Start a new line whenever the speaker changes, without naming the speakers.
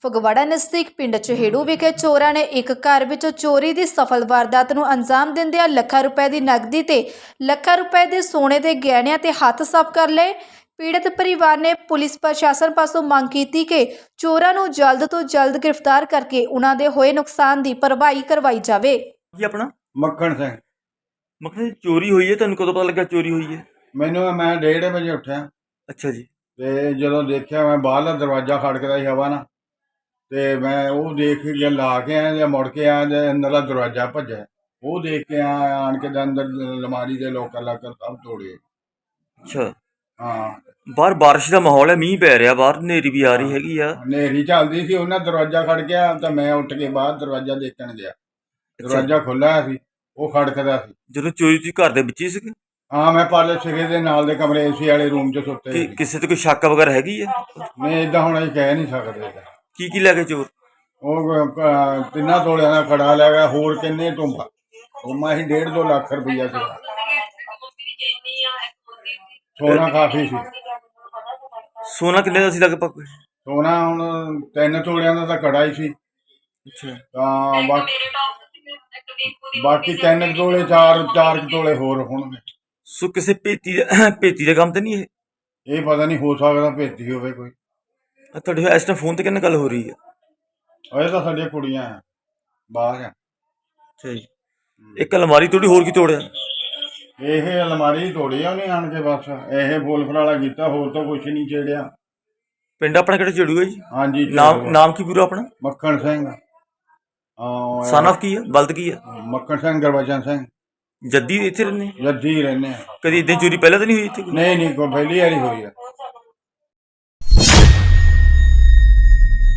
ਫਗਵਾੜਾ ਨਜ਼ਦੀਕ ਪਿੰਡ ਚਹੇੜੂ ਵਿਖੇ ਚੋਰਾਂ ਨੇ ਇੱਕ ਘਰ ਵਿੱਚ ਚੋਰੀ ਦੀ ਸਫਲ ਵਾਰਦਾਤ ਨੂੰ ਅੰਜਾਮ ਦਿੰਦਿਆਂ ਲੱਖਾਂ ਰੁਪਏ ਦੀ ਨਕਦੀ ਤੇ ਲੱਖਾਂ ਰੁਪਏ ਦੇ ਸੋਨੇ ਦੇ ਗਹਿਣਿਆਂ ਤੇ ਹੱਥ ਸਾਫ਼ ਕਰ ਲਏ। ਪੀੜਤ ਪਰਿਵਾਰ ਨੇ ਪੁਲਿਸ ਪ੍ਰਸ਼ਾਸਨ ਪਾਸੋਂ ਮੰਗ ਕੀਤੀ ਕਿ ਚੋਰਾਂ ਨੂੰ ਜਲਦ ਤੋਂ ਜਲਦ ਗ੍ਰਿਫਤਾਰ ਕਰਕੇ ਉਹਨਾਂ ਦੇ ਹੋਏ ਨੁਕਸਾਨ ਦੀ ਭਰਪਾਈ ਕਰਵਾਈ ਜਾਵੇ।
ਜੀ ਆਪਣਾ
ਮੱਖਣ ਸਿੰਘ।
ਮੱਖਣ ਜੀ, ਚੋਰੀ ਹੋਈ ਹੈ, ਤੁਹਾਨੂੰ ਕਦੋਂ ਪਤਾ ਲੱਗਾ ਚੋਰੀ ਹੋਈ ਹੈ?
ਮੈਂ 1:30 ਵਜੇ ਉੱਠਿਆ
ਅੱਛਾ ਜੀ।
ਤੇ ਜਦੋਂ ਦੇਖਿਆ ਮੈਂ ਬਾਹਰਲਾ ਦਰਵਾਜ਼ਾ ਖੜਕਦਾ ਸੀ ਹਵਾ ਨਾਲ, ਤੇ ਮੈਂ ਉਹ ਦੇਖ ਕੇ ਲਾ ਕੇ ਆਇਆ ਜਾਂ ਮੁੜ ਕੇ ਆਇਆ ਜਾਂ ਅੰਦਰਲਾ ਦਰਵਾਜ਼ਾ ਭੱਜਿਆ, ਉਹ ਦੇਖ ਕੇ ਆਣ ਕੇ ਅੰਦਰ ਅਲਮਾਰੀ ਦੇ ਲੋਕਰ ਸਭ ਤੋੜੇ।
ਅੱਛਾ,
ਹਾਂ,
ਬਾਹਰ ਬਾਰਿਸ਼ ਦਾ ਮਾਹੌਲ ਹੈ, ਮੀਂਹ ਪੈ ਰਿਹਾ, ਬਾਹਰ ਹਨੇਰੀ ਵੀ ਆ ਰਹੀ ਹੈਗੀ ਆ।
ਹਨੇਰੀ ਚੱਲਦੀ ਸੀ, ਉਹਨਾਂ ਦਰਵਾਜ਼ਾ ਖੜ ਗਿਆ ਤਾਂ ਮੈਂ ਉੱਠ ਕੇ ਬਾਹਰ ਦਰਵਾਜ਼ਾ ਦੇਖਣ ਗਿਆ। ਦਰਵਾਜ਼ਾ ਖੁੱਲ੍ਹਾ ਸੀ, ਉਹ ਖੜਕਦਾ ਸੀ।
ਜਦੋਂ ਚੋਰੀ ਤੁਸੀਂ ਘਰ ਦੇ ਵਿੱਚ ਹੀ ਸੀਗੇ?
ਹਾਂ, ਮੈਂ ਪਾਲੇ ਸਿਰੇ ਦੇ ਨਾਲ ਦੇ ਕਮਰੇ ਏਸੀ ਵਾਲੇ ਰੂਮ 'ਚ ਸੁੱਤੇ ਸੀ।
ਕਿਸੇ ਤੇ ਕੋਈ ਸ਼ੱਕ ਵਗੈਰਾ ਹੈਗੀ ਆ?
ਨਹੀਂ, ਏਦਾਂ ਹੁਣ ਅਸੀਂ ਕਹਿ ਨਹੀਂ ਸਕਦੇ।
ਕੀ ਕੀ ਲੈ ਕੇ ਚੋਰ?
ਉਹ 3 ਤੋਲਿਆਂ ਦਾ ਕੜਾ ਲੈ ਗਿਆ, ਹੋਰ ਕਿੰਨੇ ਟੁੰਬਾ ਹੀ 1.5-2 ਲੱਖ ਰੁਪਈਆ ਸੀ। ਸੋਨਾ ਕਾਫੀ ਸੀ।
ਸੋਨਾ ਕਿੰਨੇ ਦਾ ਸੀ ਲਗਭਗ?
ਸੋਨਾ ਹੁਣ 3 ਤੋਲਿਆਂ ਦਾ ਤਾਂ ਕੜਾ ਹੀ ਸੀ।
ਅੱਛਾ,
ਤਾਂ ਬਾਕੀ 3 ਤੋਲੇ 4 ਤੋਲੇ ਹੋਰ ਹੋਣਗੇ।
ਸੋ ਕਿਸੇ ਭੇਤੀ ਦਾ ਕੰਮ ਤਾਂ ਨਹੀਂ ਇਹ?
ਇਹ ਪਤਾ ਨਹੀਂ, ਹੋ ਸਕਦਾ ਭੇਤੀ ਹੋਵੇ ਕੋਈ।
ਤੁਹਾਡੇ ਇਸ ਟਾਈਮ ਫੋਨ ਤੇ ਕਿੰਨੇ ਗੱਲ ਹੋ ਰਹੀ ਹੈ?
ਇਹ ਤਾਂ ਸਾਡੀਆਂ ਕੁੜੀਆਂ ਆ, ਬਾਹਰ ਆ।
ਅੱਛਾ ਜੀ। ਇੱਕ ਅਲਮਾਰੀ ਤੋੜੀ, ਹੋਰ ਕੀ ਤੋੜਿਆ?
ਇਹ ਅਲਮਾਰੀ ਤੋੜੀ ਆ ਉਹਨੇ ਆਣ ਕੇ, ਬਸ ਇਹ ਫੁੱਲ ਫਰਾਲਾ ਕੀਤਾ, ਹੋਰ ਤਾਂ ਕੁਛ ਨਹੀਂ ਛੇੜਿਆ।
ਪਿੰਡ ਆਪਣਾ ਕਿਹੜਾ ਚੜੂ ਹੈ ਜੀ?
ਹਾਂਜੀ।
ਨਾਮ ਕੀ ਪੂਰਾ ਆਪਣਾ?
ਮੱਖਣ ਸਿੰਘ।
ਸਨ ਆਫ ਕੀ ਹੈ, ਬਲਦ ਕੀ ਹੈ?
ਮੱਖਣ ਸਿੰਘ, ਗੁਰਬਚਨ ਸਿੰਘ।
ਜੱਦੀ ਇੱਥੇ ਰਹਿੰਦੇ?
ਜੱਦੀ ਰਹਿੰਦੇ ਆ।
ਕਦੀ ਇਦਾਂ ਚੋਰੀ ਪਹਿਲਾਂ ਤਾਂ ਨਹੀਂ ਹੋਈ ਇੱਥੇ?
ਨਹੀਂ, ਕੋਈ ਪਹਿਲੀ ਵਾਰੀ ਹੋਈ ਆ।